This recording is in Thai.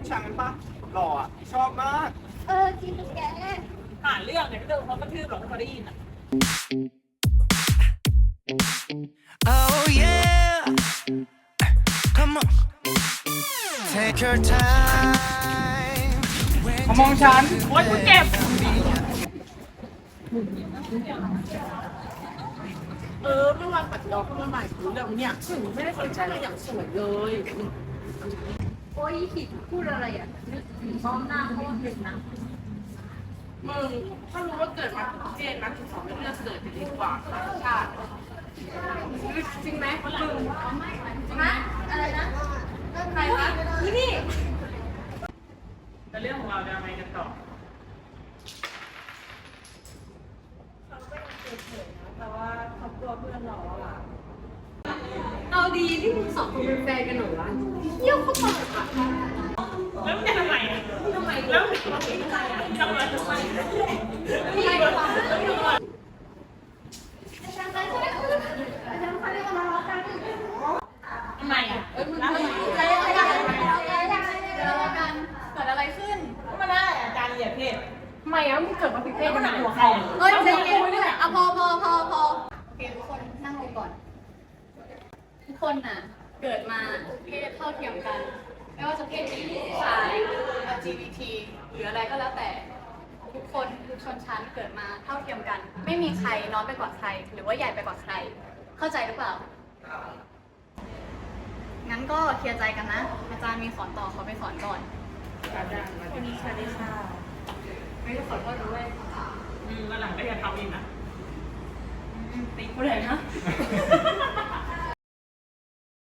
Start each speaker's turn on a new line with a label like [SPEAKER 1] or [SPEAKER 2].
[SPEAKER 1] ช้างปะหล่ออ่ะชอบมาก
[SPEAKER 2] จริงแก
[SPEAKER 3] หาเรื่องเนี่ยไม่เรื่องเขากระทืบหรอกเขาได้ยินอ่ะ
[SPEAKER 4] Oh yeah Come on Take your time
[SPEAKER 1] มองฉัน
[SPEAKER 3] โอ๊ยกูเจ็บเมื่อวานปัดดอกเมื่อวานกูเรื่องเนี่ยไม่ได้สนใจเลยอย่างสวยเลย
[SPEAKER 2] โอ้ยขิดพูดอะไรอ่ะนึกถึงมองหน้าเขาว่าเป็นนะ
[SPEAKER 3] มึงถ้ารู้ว่าเกิดมาทุกเจนนะถึงสองไม่เลือกเกิดจะดีกว่าชาติจริงไหมมึง
[SPEAKER 2] ฮะอะไรนะใครวะนี่
[SPEAKER 3] แต่เรื่องของเราจะยังไงกันต่อ
[SPEAKER 2] เอาดีที่มึงสองคนเป็นแฟนกันเหรอวะเยี่ยมเขาตลกอ่ะ
[SPEAKER 3] แล้วมันจะทำไมแล้วทำไมทำไม
[SPEAKER 2] มีอะไรวะอาจารย์ไปใช่ไหมอาจารย์ไปได้มาแล้วกัน
[SPEAKER 3] ทำไมอ่ะ
[SPEAKER 2] แล้วกันเกิดอะไรขึ้น
[SPEAKER 3] ก็มาได้อาจารย์เหยียดเพศ
[SPEAKER 2] ทำไมอ่ะมึงเกิดมาผิดเพศ
[SPEAKER 3] แล้ว
[SPEAKER 2] กั
[SPEAKER 3] มัน น
[SPEAKER 2] นะ
[SPEAKER 3] หัวใคร
[SPEAKER 2] เฮ้ยใจเย็นๆอ่ะพอโอเคทุกคนนั่งลงก่อน ทุกคนน่ะ เกิดมาเพศเท่าเทียมกัน ไม่ว่าจะเพศหญิงชาย LGBT หรืออะไรก็แล้วแต่ ทุกคนทุกชนชั้นเกิดมาเท่าเทียมกัน ไม่มีใครน้อยไปกว่าใคร หรือว่าใหญ่ไปกว่าใคร เข้าใจหรือเปล่า งั้นก็เคลียร์ใจกันนะ อาจารย์มีสอนต่อเขาไปสอนก่อน
[SPEAKER 3] อาจารย์วันนี้ค่ะได้ค่ะ
[SPEAKER 2] ไม่ได้ขอโทษด้วย
[SPEAKER 3] วันหลังก็อย่าทำอีกนะ
[SPEAKER 2] ตีกูเลยนะ